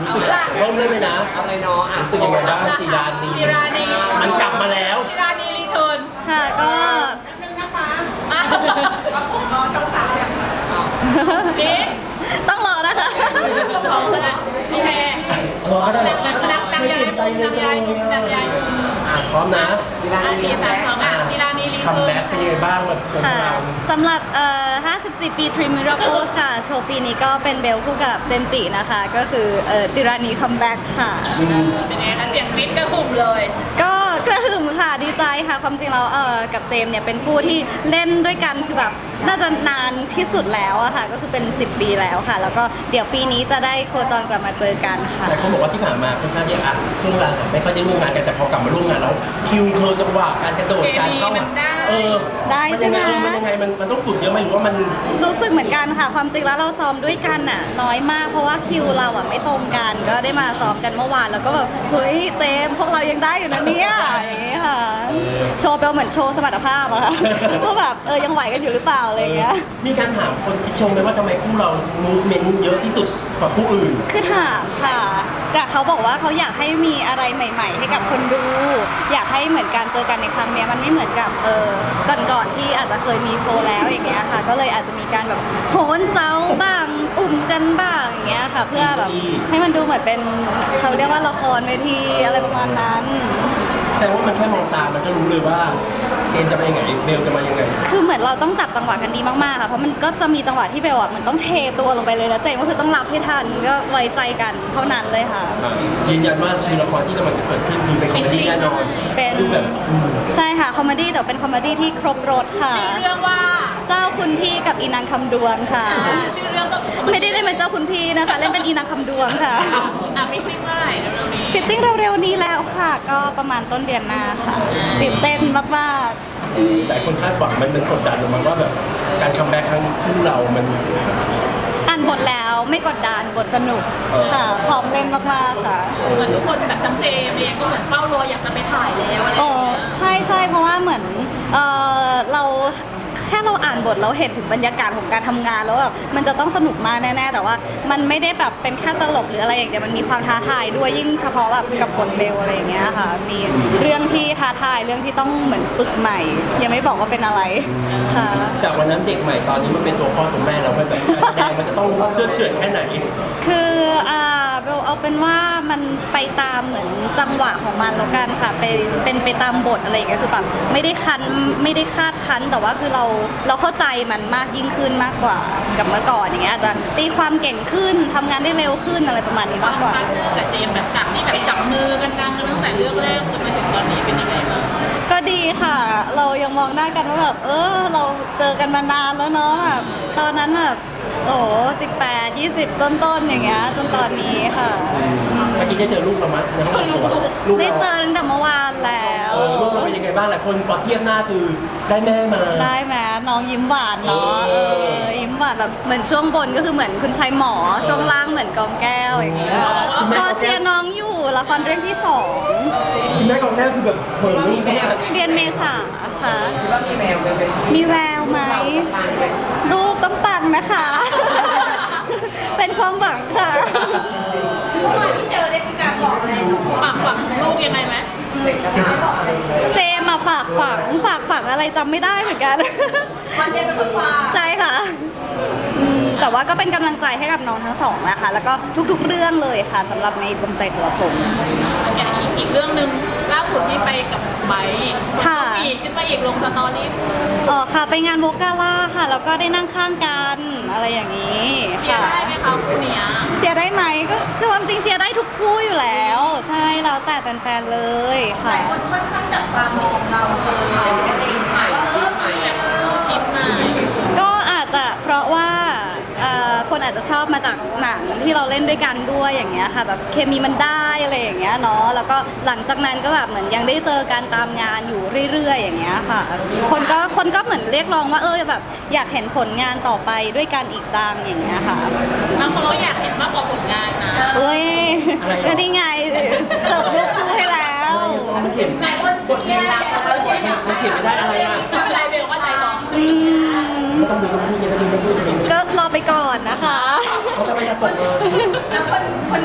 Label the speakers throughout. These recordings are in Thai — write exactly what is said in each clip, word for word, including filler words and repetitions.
Speaker 1: รู้สึกเริ่มเลยนะ
Speaker 2: อะไรเนาะอ่ะ
Speaker 1: รู้สึกยังไงบ้างจีรานี
Speaker 3: จีรานี
Speaker 1: มันกลับมาแล้ว
Speaker 3: จีรานีรีเทิร์น
Speaker 4: ค่ะก็
Speaker 3: นึงนะคะมาผมรอช่องสามเนี่ยนี่
Speaker 4: ต้องรอนะคะ
Speaker 3: ต้องรอก็ได้โอเค
Speaker 1: รอก็ได้
Speaker 3: นักนักนัก
Speaker 1: ไม่
Speaker 3: ยา
Speaker 1: เปลี่ยนใจเลย
Speaker 3: นัก
Speaker 1: จั
Speaker 3: ยาง
Speaker 1: เลย
Speaker 3: นัก
Speaker 1: อะ
Speaker 3: ยา
Speaker 1: อ่ะพร้อมนะ
Speaker 2: จีรา
Speaker 3: อ่ะ
Speaker 2: นี
Speaker 3: สี่สามสองอ่ะจีรานีรี
Speaker 1: คัม
Speaker 3: เทิร์
Speaker 1: แบ็
Speaker 3: น
Speaker 1: กเป็นยังไงบ้างแบบสง
Speaker 4: ค่ะ
Speaker 1: คราม
Speaker 4: สำหรับเอ่อห้าสิบสี่ ปี Dream Miracles ค่ะ โชว์ปีนี้ก็เป็นเบลคู่กับเจมส์จินะคะ ก็คือเอ่อจิรานีคัมแบ็กค่ะ
Speaker 3: เป็นไงคะเสียงกรี๊ดกระหึ่มเลย
Speaker 4: ก็กระหึ่มค่ะดีใจค่ะ ความจริงแล้วเอ่อกับเจมส์เนี่ยเป็นคู่ที่เล่นด้วยกันคือแบบน่าจะนานที่สุดแล้วอะค่ะ ก็คือเป็น สิบ ปีแล้วค่ะ แล้วก็เดี๋ยวปีนี้จะได้โคจรกลับมาเจอกันค่ะ
Speaker 1: แต่เขาบอกว่าที่ผ่านมาค่อนข้างที่อ่ะช่วงเวลาไม่ค่อยได้ร่วมงานกันแต่พอกลับมาร่วมงานแล้วคิวเคอร์จังหวะการกระโดดการเข้ามาเออ
Speaker 4: ได้ใช่ไหม
Speaker 1: มันยังไงมันมันต้องฝึกเยอะไหมหรือว่ามัน
Speaker 4: รู้สึกเหมือนกันค่ะ ความจริงแล้วเราซ้อมด้วยกันน่ะน้อยมากเพราะว่าคิวเราอ่ะไม่ตรงกัน ก็ได้มาซ้อมกันเมื่อวานแล้วก็แบบเฮ้ยเจมส์พวกเรายังได้อยู่นะเนี่ยอย่างงี้ค่ะ โชว์เปลเหมือนโชว์สมรรถภาพอะค่ะ ว่าแบบเออยังไหวกันอยู่หรือเปล่าอะไรอย่างเงี้ย
Speaker 1: มีการถามคนคิดชมไหมว่าทำไมคู่เรามูฟเมนต์เยอะที่สุดกว่าคู่อื่น
Speaker 4: คือถามค่ะแต่เขาบอกว่าเขาอยากให้มีอะไรใหม่ ๆ ให้กับคนดู อยากให้เหมือนการเจอกันในครั้งเนี้ยมันไม่เหมือนกับเออก่อนๆที่อาจจะเคยมีโชว์แล้วอย่างเงี้ยค่ะ ก็เลยอาจจะมีการแบบโหนเสาบ้างอุ่มกันบ้างอย่างเงี้ยค่ะ เพื่อแบบให้มันดูเหมือนเป็นเขาเรียกว่าละครเวทีอะไรประมาณนั้น
Speaker 1: แสดงว่ามันแค่มองตามันก็รู้เลยว่าเจมส์จะมายังไงเบลจะมายังไง
Speaker 4: คือเหมือนเราต้องจับจังหวะกันดีมากๆค่ะ เพราะมันก็จะมีจังหวะที่เบลอ่ะมันต้องเทตัวลงไปเลยแล้วเจมส์ก็คือต้องรับให้ทันก็ไว้ใจกันเท่านั้นเลยค่ะ
Speaker 1: อ่ายืนยันว่าคือละครที่กำลังจะเกิดขึ้นคือเป็นคอมเมดี้แน่นอน
Speaker 4: เป็น
Speaker 1: คือแบบอืม
Speaker 4: ใช่ค่ะคอมเมดี้แต่เป็นคอมเมดี้ที่ครบรถค่ะ
Speaker 3: ชื่อเรื่องว่า
Speaker 4: เจ้าคุณพี่กับอีนางคำดวงค่ะ
Speaker 3: อ่าชื่อเรื่องก็
Speaker 4: ไม่ได้เล่นเป็นเจ้าคุณพี่นะคะเล่นเป็นอีนางคำดวงค่ะ
Speaker 3: อ่ะฟิตติ้งเมื่อไหร่เร็วๆนี้
Speaker 4: ฟิตติ้งเร็วๆนี้แล้วค่ะ ก็ประมาณต้นเดือนหน้าค่ะตื่นเต้นมาก
Speaker 1: แต่คนคาดหวังมันเป็นกดดันออกมาว่าแบบการคัมแบ็กครั้งคู่เรา มัน
Speaker 4: ๆอ่านบทแล้วไม่กดดันบทสนุก
Speaker 1: เออ
Speaker 4: ค่ะพร้อมเล่นมากๆค่ะ
Speaker 3: เหมือนทุกคนแบบทั้งเจมเองก็เหมือนเฝ้ารออยากจะไปถ่ายแล้วอะไรอ
Speaker 4: โอ้
Speaker 3: ย่างเงี้ย
Speaker 4: ใช่ใช่เพราะว่าเหมือนเออเราแค่เราอ่านบทเราเห็นถึงบรรยากาศของการทำงานแล้วแบบมันจะต้องสนุกมากแน่ๆแต่ว่ามันไม่ได้แบบเป็นแค่ตลกหรืออะไรอย่างเดียวมันมีความท้าทายด้วยยิ่งเฉพาะแบบกับบทเบลอะไรอย่างเงี้ยค่ะมีเรื่องที่ท้าทายเรื่องที่ต้องเหมือนฝึกใหม่ ยังไม่บอกว่าเป็นอะไรค่ะ
Speaker 1: จากวันนั้นเด็กใหม่ตอนนี้มันเป็นตัวพ่อตัวแม่แล้วมันแบบการแสดงมันจะต้องเชื่อเฉื่อยแค่ไหน
Speaker 4: คืออ่าเบลเอาเป็นว่ามันไปตามเหมือนจังหวะของมันแล้วกันค่ะเป็นเป็นไปตามบทอะไรอย่างเงี้ยคือแบบไม่ได้คันไม่ได้คาดคันแต่ว่าคือเราเราเข้าใจมันมากยิ่งขึ้นมากกว่ากับเมื่อก่อนอย่างเงี้ยอาจจะตีความเก่งขึ้นทำงานได้เร็วขึ้นอะไรประมาณนี้
Speaker 3: ความ
Speaker 4: ากกว่า
Speaker 3: พาร์ทเนอร์กับเจมแบบจากที่แบบจับมือกันดังกันตั้งแต่เรื่องแรกจนมาถึงตอนนี้เป็นยังไงบ้าง
Speaker 4: ก็ดีค่ะ เรายังมองหน้ากันว่าแบบเออเราเจอกันมานานแล้วเนาะแบบตอนนั้นแบบโอ้สิบแปดยี่สิบต้นๆอย่างเงี้ยจนตอนนี้ค่ะ
Speaker 1: เมื่อกี้ได้เจอลูกเรามั้ยในห้องตัวลูก
Speaker 4: ได้
Speaker 1: เรา
Speaker 4: เจอตั้งแต่เมื่อวานแล้ว
Speaker 1: เออลูกเราเป็นยังไงบ้างหลายคนพอเทียบหน้าคือได้แม่มา
Speaker 4: ได้ไหมน้องยิ้มหวานเนาะ
Speaker 1: เอ
Speaker 4: เอ
Speaker 1: อ
Speaker 4: อยิ้มหวานแบบเหมือนช่วงบนก็คือเหมือนคุณชายหมอช่วงล่างเหมือนกองแก้วอย่างเงี้ยก็เชียร์น้องอยู่ละครเรื่องที่สอง
Speaker 1: คุณแม่ของแท้คือแบบเผยลูกมาก
Speaker 4: เดือนเมษาค่ะ
Speaker 2: คิดว่ามีแววเป็นเป็น
Speaker 4: มีแววไหม
Speaker 2: ต่างไหม
Speaker 4: ลูกต้องปังนะคะ เป็นความหวังค่ะ
Speaker 3: เมื่อวานที่เจอได้มีการบอกอะไรฝากฝังลูกยังไงไหม
Speaker 2: เด็กจะมาบอกอะไร
Speaker 4: เจมมาฝากฝังฝากฝังอะไรจำไม่ได้เหมือนกัน
Speaker 3: วันเจมเป็นคนฝาก
Speaker 4: ใช่ค่ะอืมแต่ว่าก็เป็นกำลังใจให้กับน้องทั้งสองนะคะ แล้วก็ทุกๆเรื่องเลยค่ะสำหรับในดวงใจทรพงศ์
Speaker 3: อย่างอีกอีกเรื่องหนึ่งล่าสุดที่ไปกับไบค์
Speaker 4: ค่ะ
Speaker 3: อีกขึ้นมาอีกลงสตอรี่
Speaker 4: อ๋อค่ะไปงานโวกาล่าค่ะ แล้วก็ได้นั่งข้างกันอะไรอย่างนี้
Speaker 3: เชีย
Speaker 4: ค่ะ
Speaker 3: ร์ได้ไหมคะคู่เนี้ย
Speaker 4: เชียร์ได้ไหมก็ความจริงเชียร์ได้ทุกคู่อยู่แล้ว ใช่แล้วแต่แฟนๆเลยค่ะ
Speaker 3: ค่อนข้างจับตามองเราเลยอะไรอย่างเงี้ยว่าเออแบบคู่ชิปมา
Speaker 4: ก็อาจจะเพราะว่าเอ่อคนอาจจะชอบมาจากหนังที่เราเล่นด้วยกันด้วยอย่างเงี้ยค่ะแบบเคมีมันได้อะไรอย่างเงี้ยเนาะแล้วก็หลังจากนั้นก็แบบเหมือนยังได้เจอการตามงานอยู่เรื่อยๆ อย่างเงี้ยค่ะ คนก็คนก็เหมือนเรียกร้องว่าเออแบบอยากเห็นผลงานต่อไปด้วยกันอีกจังอย่างเงี้ยค่ะ
Speaker 3: บางคนเราอยากเห็นมากกว่าผลงานนะ
Speaker 4: เอ้ยก็นี่ไงเสิร์ฟลูกคู่ให้แล้ว
Speaker 1: มันเขียน
Speaker 3: หลายคนเชียร์หลายคนเชียร์อยาก
Speaker 1: มันเขียนไม่ได้อะไรอ่ะ
Speaker 3: ไม่เป็นไรเบลว่าใจร้อน
Speaker 4: อืม
Speaker 1: ไม่ต้องดูต้องพูดยังไงต้องดูต้องพูดยังไง
Speaker 4: ก็รอไปก่อนนะคะ
Speaker 1: เขาจะไม่จะจบเลย
Speaker 3: แล้วคนคนนี้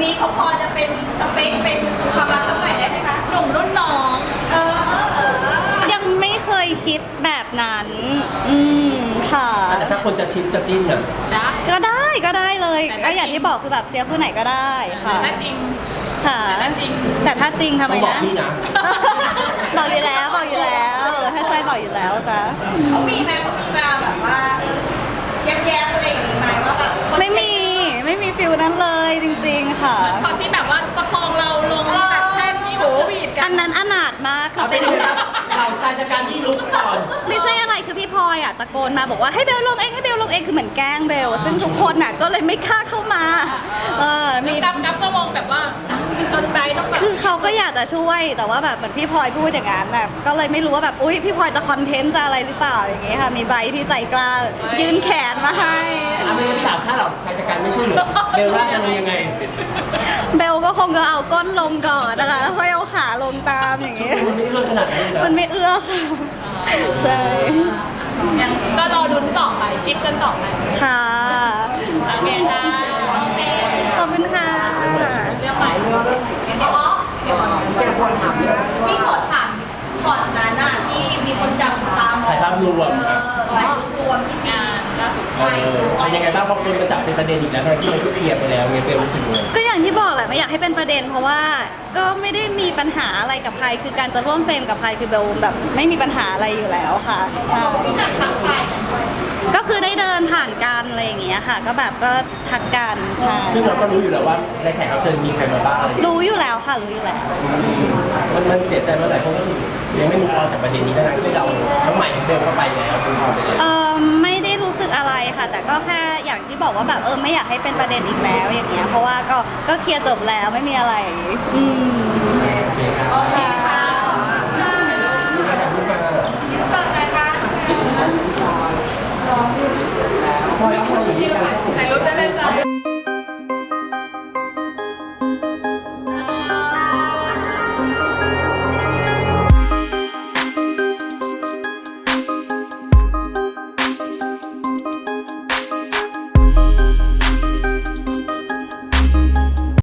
Speaker 3: นี้เขาพอจะเป็นสเปคเป็นความรักสมัยได้ไหมคะหนุ่มรุ่นน้องเออเออเออ
Speaker 4: ยังไม่เคยคิดแบบนั้น อืมค่ะ
Speaker 1: แต่ถ้าคนจะชิปจะจิ้นอ่ะ
Speaker 3: ได้
Speaker 4: ก็ได้ก็ได้เลย
Speaker 3: แต่
Speaker 4: ก็
Speaker 3: ถ้า
Speaker 4: อย่างที่บอกคือแบบเชียร์ผู้ไหนก็ได้ค่ะ
Speaker 3: ถ้าจริง
Speaker 4: ค่ะ
Speaker 3: แต่ถ้าจริง
Speaker 4: แต่ถ้าจริงทำไม
Speaker 1: ต้องบอก
Speaker 4: นะ
Speaker 1: พี่นะ
Speaker 4: บอกอยู่แล้วบอกอยู่แล้ว ถ้าใช่บอกอยู่แล้วจ้ะ
Speaker 3: เขามีไหมเขามีมาแบบว่าเออแย้มๆอะไรอย่างนี้ไหมว่าแบบคน
Speaker 4: ไม่มีไม่มีฟิลนั้นเลยจริงๆค่ะ
Speaker 3: ช็อตที่แบบว่าประคองเราลงจากแท่นนี่โหวีดกั
Speaker 4: อั
Speaker 3: น
Speaker 4: นนั้นอนาถมากคือ
Speaker 1: เอาไป
Speaker 4: เป็น
Speaker 1: ดูครับเราชายชะกันที่ลุกก่อน
Speaker 4: ไม่ใช่อะไรคือพี่พลอยอ่ะตะโกนมาบอกว่าให้เบลลงเองให้เบลลงเองคือเหมือนแกล้งเบลซึ่งทุกคนน่ะก็เลยไม่กล้าเข้ามาเออมี
Speaker 3: กับกับก็มองแบบว่าจนใจต้องแบบ
Speaker 4: คือเขาก็อยากจะช่วยแต่ว่าแบบเหมือนพี่พลอยพูดอย่างนั้นแบบก็เลยไม่รู้ว่าแบบอุ้ยพี่พลอยจะคอนเทนต์จะอะไรหรือเปล่าอย่างเงี้ยค่ะมีใบที่ใจกล้ายื่นแขนมาให้
Speaker 1: อ่ะไม่งั้นพี่ถามถ้าเราชายชะกันไม่ช่วยเหลือเบลล่าจะลงยังไง
Speaker 4: เบลก็คงจะเอาก้นลงก่อนนะคะแล้วค่อยเอาขาลงตามอย่างเงี้ย
Speaker 1: มันไม่เอื้อขนาดนั้นเลย
Speaker 4: มัน
Speaker 1: นะ
Speaker 4: ไม่เอื้อค่ะใช่
Speaker 3: ยังก็รอดุนต่อไปชิปกันต่อไป
Speaker 4: ค่ะ
Speaker 3: โอเคค่ะโอเค
Speaker 4: ขอบคุณค่ะ
Speaker 3: เรื่องใหม่เรื่องเดี๋ยวเดี๋ยวเดี๋ยวคนถามพี่ขอถามช็อตนั้นน่ะที่มีคนจับตาม
Speaker 1: ถ่ายภาพรวม
Speaker 3: เออถ่ายรูปรวมที่งานล่าสุด
Speaker 1: เออเป็นยังไงบ้างพอคนมาจับเป็นประเด็นอีกแล้วทั้งที่มันก็เคลียร์ไปแล้วไงเบลรู้สึกไง
Speaker 4: ก็อย่างที่บอกแหละไม่อยากให้เป็นประเด็น เพราะว่าก็ไม่ได้มีปัญหาอะไรกับใคร คือการจะร่วมเฟรมกับใครคือเบลแบบไม่มีปัญหาอะไรอยู่แล้วค่ะใช่
Speaker 3: พี่หนักทักทายกันด้วย
Speaker 4: ก็คือได้เดินผ่านกันอะไรอย่างเงี้ยค่ะ ก็แบบก็ทักกันใช่
Speaker 1: ซึ่งเราก็รู้อยู่แล้วว่าในแขกรับเชิญมีใครมาบ้างอะไรอย่างเงี้ย
Speaker 4: รู้อยู่แล้วค่ะรู้อยู่แล้ว
Speaker 1: มันมันเสียใจมาหลายคนก็คือยังไม่มุกออนจากประเด็นนี้ทั้งที่เราทั้งใหม่ทั้งเบลก็ไปแล้วมุกออนไปแล้ว
Speaker 4: เออไม่ได้รู้สึกอะไรค่ะ แต่ก็แค่อย่างที่บอกว่าแบบเออไม่อยากให้เป็นประเด็นอีกแล้วอย่างเงี้ยเพราะว่าก็ก็เคลียร์จบแล้วไม่มีอะไร อืม
Speaker 1: โอเคครับ
Speaker 3: โอเค